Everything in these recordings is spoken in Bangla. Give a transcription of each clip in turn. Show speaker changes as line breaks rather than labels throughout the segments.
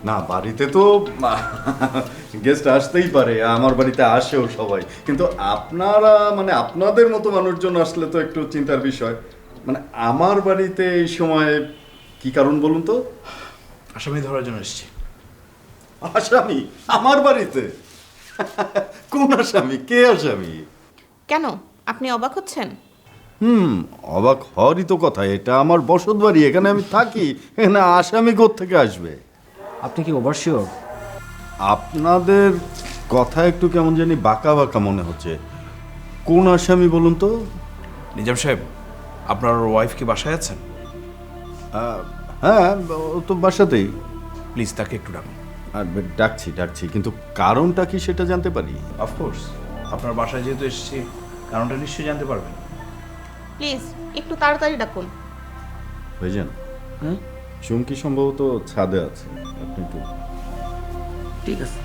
না, বাড়িতে তো গেস্ট আসতেই পারে, আমার বাড়িতে আসেও সবাই, কিন্তু আপনারা মানে আপনাদের মতো মানুষজন আসলে তো একটু চিন্তার বিষয়। মানে আমার বাড়িতে এই সময় কি কারণ বলুন তো?
আসামি ধরার জন্য এসেছি।
আসামি আমার বাড়িতে? কোন আসামি? কে আসামি?
কেন আপনি অবাক হচ্ছেন?
অবাক হওয়ারই তো কথা, এটা আমার বসত বাড়ি, এখানে আমি থাকি, এখানে আসামি কোত্থেকে আসবে?
আপনি কি ওভারশিওর?
আপনাদের কথা একটু কেমন জানি বাঁকা বাঁকা মনে হচ্ছে। কোন আসামি বলুন তো?
নিজাম সাহেব, আপনার ওয়াইফ কি বাসায় আছেন?
হ্যাঁ, ও তো বাসাতেই।
প্লিজ তাকে একটু ডাকুন।
আর ডাকছি, কিন্তু কারণটা কি সেটা জানতে পারি?
অফকোর্স, আপনার বাসায় যেহেতু এসেছি, কারণটা নিশ্চয়ই জানতে পারবেন।
প্লিজ একটু তাড়াতাড়ি ডাকুন।
ভাইজান, চুমকি সম্ভবত ছাদে আছে, আপনি একটু।
ঠিক আছে।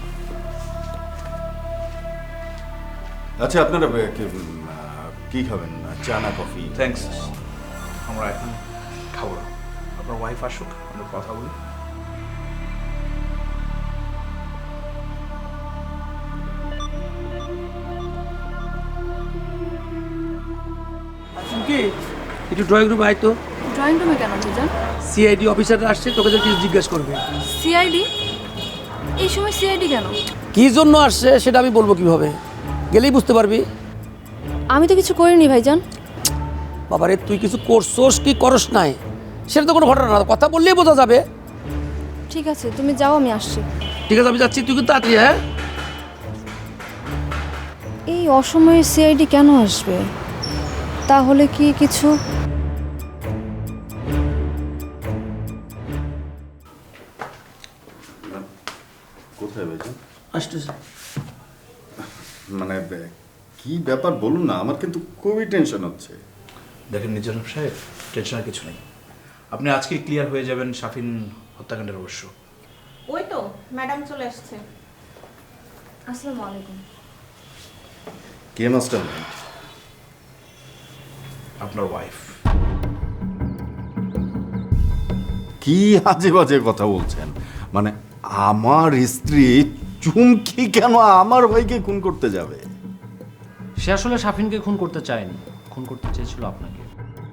আচ্ছা, আপনারা কি খাবেন, চা না কফি?
থ্যাঙ্কস, আমরা এখন খাবো না। আপনার ওয়াইফ আসুক, আমরা কথা বলি।
কি একটু ড্রয়িং রুমে আয় তো।
ড্রয়িং রুমে কেন ভাইজান?
সিআইডি অফিসাররা আসছে, তোকে কিছু জিজ্ঞেস করবে।
সিআইডি? এই সময় সিআইডি কেন?
কি জন্য আসছে সেটা আমি বলবো কিভাবে, গেলেই বুঝতে পারবি।
আমি তো কিছু করিনি ভাইজান।
বাবারে, তুই কিছু করছোস কি করস নাই সেটা তো কোনো ঘটনা না, কথা বললেই বোঝা যাবে।
ঠিক আছে, তুমি যাও, আমি আসছি।
ঠিক আছে, আমি যাচ্ছি, তুই কিন্তু তাড়াতাড়ি। হ্যাঁ,
এই অসময়ে সিআইডি কেন আসবে? তাহলে কি কিছু?
কোথায় ভাইজান?
আসতেছে।
মানে কি ব্যাপার বলুন না, আমার কিন্তু খুবই টেনশন হচ্ছে।
দেখেন নিজাম সাহেব, টেনশনের কিছু নেই। আপনি আজকে ক্লিয়ার হয়ে যাবেন শাফিন হত্যাকাণ্ডের রহস্য।
ওই তো ম্যাডাম চলে আসছে।
আসসালামু আলাইকুম।
কে মাস্টার?
আপনার ওয়াইফ।
কি আজে বাজে কথা বলছেন? মানে আমার স্ত্রী চুমকি কেন আমার ভাইকে খুন করতে যাবে?
সে আসলে শাফিনকে খুন করতে চায়নি, খুন করতে চেয়েছিল আপনাকে।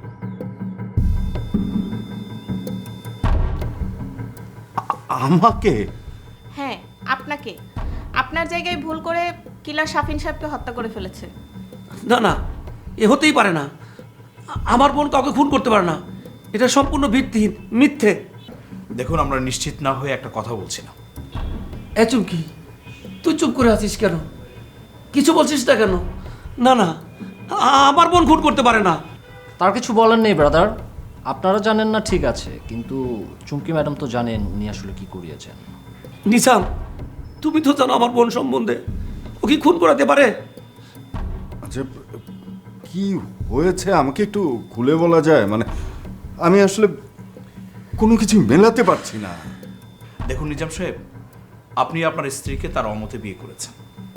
আমাকে?
হ্যাঁ, আপনাকে। আপনার জায়গায় ভুল করে কিলার শাফিন সাহেবকে হত্যা করে ফেলেছে।
না না, এ হতেই পারে না। আমার বোন কাউকে খুন করতে পারে না, এটা সম্পূর্ণ ভিত্তিহীন, মিথ্যে।
দেখুন, আমরা নিশ্চিত না হয়ে একটা কথা বলছি না।
এ চুমকি, তুই চুপ করে আছিস কেন? কিছু বলছিস না কেন? না না, আমার বোন খুন করতে পারে না।
তার কিছু বলার নেই ব্রাদার, আপনারা জানেন না ঠিক আছে, কিন্তু চুমকি ম্যাডাম তো জানেন উনি আসলে কি করিয়েছেন।
নিসাম, তুমি তো জানো আমার বোন সম্বন্ধে, ও কি খুন করাতে পারে?
আচ্ছা, কি হয়েছে আমাকে একটু খুলে বলা যায়? মানে আমি আসলে কোনো কিছু মেলাতে পারছি না।
দেখুন নিজাম সাহেব, আপনি আপনার স্ত্রীকে তার অমতে বিয়ে করেছেন,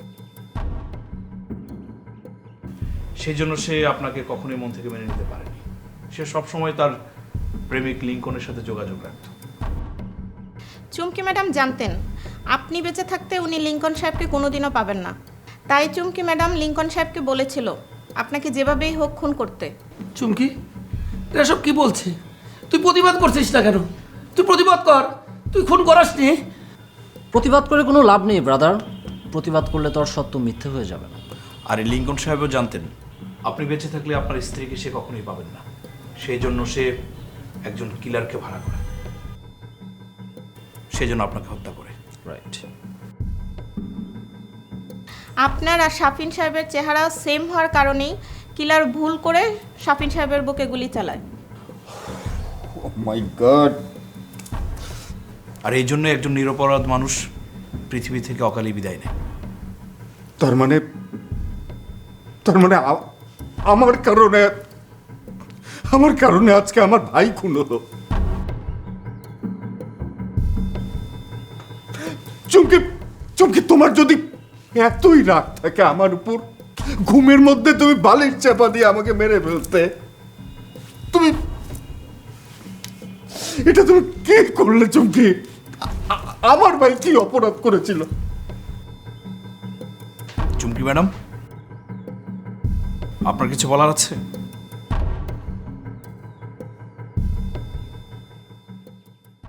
সেই জন্য সে আপনাকে কখনোই মন থেকে মেনে নিতে পারেনি। সে সবসময় তার প্রেমিক লিঙ্কনের সাথে যোগাযোগ রাখত।
চুমকি ম্যাডাম জানতেন আপনি বেঁচে থাকতে উনি লিঙ্কন সাহেবকে কোনোদিনও পাবেন না। তাই চুমকি ম্যাডাম লিঙ্কন সাহেবকে বলেছিল আপনাকে যেভাবেই হোক খুন করতে।
চুমকি, এরা সব কি বলছে? তুই প্রতিবাদ করছিস না কেন? তুই প্রতিবাদ কর, তুই খুন করাসনি।
প্রতিবাদ করে কোনো লাভ নেই ব্রাদার, প্রতিবাদ করলে তো আর সত্য মিথ্যে হয়ে যাবে না।
আর এই লিঙ্কন সাহেবও জানতেন আপনি বেঁচে থাকলে আপনার স্ত্রীকে সে কখনোই পাবেন না, সেই জন্য সে একজন কিলারকে ভাড়া করে, সেই জন্য আপনাকে হত্যা করে।
রাইট।
আপনার আর শাফিন সাহেবের চেহারা সেম হওয়ার কারণেই কিলার ভুল করে শাফিন সাহেবের বুকে গুলি চালায়।
ও মাই গড!
আর এই জন্য একজন নিরপরাধ মানুষ পৃথিবী থেকে অকালে বিদায় নেয়।
তার মানে আমার কারণে আজকে আমার ভাই খুন হলো। চুমকি, তোমার যদি এতই রাগ থাকে আমার উপর, ঘুমের মধ্যে তুমি বালিশ চাপা দিয়ে আমাকে মেরে ফেলতে। এটা তুমি কি করলে চুমকি?
আমার ভাই কি অপরাধ করেছিল?
চুমকি ম্যাডাম, আপনার কিছু বলার আছে?